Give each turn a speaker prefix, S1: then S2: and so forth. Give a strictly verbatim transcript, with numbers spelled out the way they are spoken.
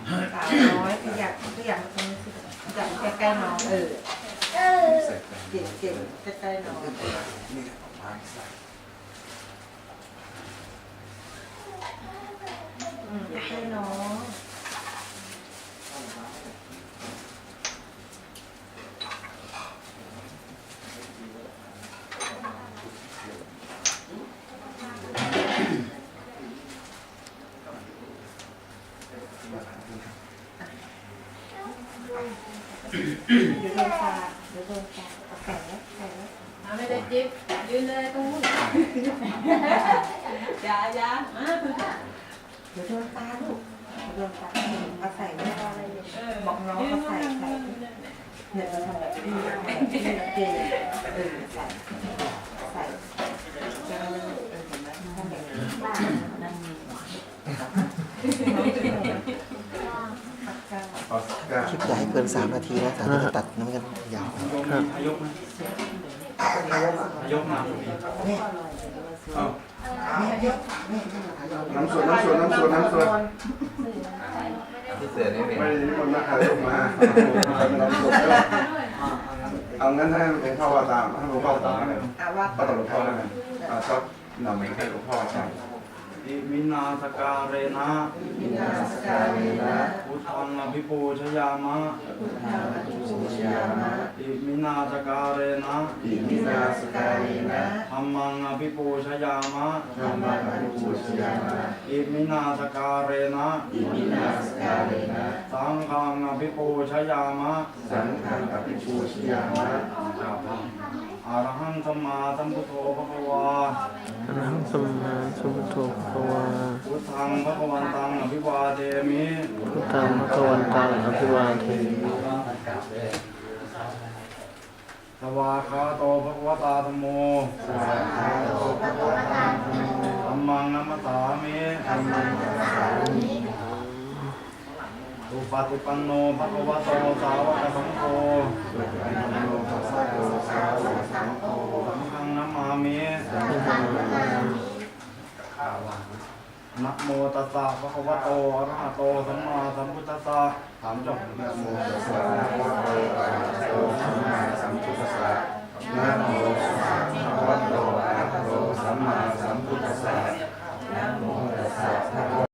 S1: สาวน้อยขยับขยับตรงนี้สิขยับใกล้ๆน้องเออเก่งเก่งใกล้ๆน้องอืมใกล้ๆน้องเดี๋ยวโดนตาเดี๋ยวโดนตาเอาแขนแล้วแขนแล้วเอาไม่ได้จิ๊บยืนเลยตรงนู้นอย่าอย่าเดี๋ยวโดนตาลูกเดี๋ยวโดนตาเอาใส่ไม่ได้อะไรเลยบอกน้องเอาใส่ใส่เนี่ยเราทำแบบนี้เก่งเออใส่ใส่จะเออเห็นไหมทำแบบนี้บ้างนั่นมี
S2: คลิปอย่าให้เกินสามนาทีนะสามนาทีตัดน้ำกันยาวครับ
S3: ยกมายกมา
S4: น้ำสดน้ำสดน้ำสดน้ำสด
S5: ที่เสือนี่เป็น
S4: ไม่ได้นิมนต์มาขายออกมาน้ำสดเอางั้นให้เป็นข้าวตามให้หลวงพ่อตามให้ก็ต้องหลวงพ่อได้ไหมชอบนำให้หลวงพ่อใช่
S3: อิมินาสการเรนะ
S1: มินาสการเรนะ
S3: พุทธังอภิปูชยามะ
S1: พุทธังอภิปูชยามะ
S3: อิมินาสการเรนะ
S4: อิมินาสการเรนะ
S3: ธัมมังอภิปูชยามะ
S4: ธรรมังอภิปูชยามะ
S3: อิมินาสการเรนะ
S4: อิมินาสการเรนะ
S3: สังฆังอภิปูชยามะ
S4: สังฆังอภิปูชยามะ
S3: อรหังสัมมาสัมพุทโธภควา
S2: อะระหังสัมมาสัมพุทโธภควา
S3: พุทธังภควันตังอภิวาเทมิ
S2: พุทธังภควันตังอภิวาเทมิ
S3: สวากขาโตภควตาธัมโมธัมมังนัมมสสามิอุปติปันโนภควโตสาวกสังโฆสังฆังนัมมามินะโมตัสสะภะคะวะโตอะระหะโตสัมมาสัมพุทธัสสะถามจบ
S4: นะโมตัสสะภะคะวะโตอะระหะโตสัมมาสัมพุทธัสสะนะโมตัสสะภะคะวะโตอะระหะโตสัมมาสัมพุทธัสสะนะโมตัสสะ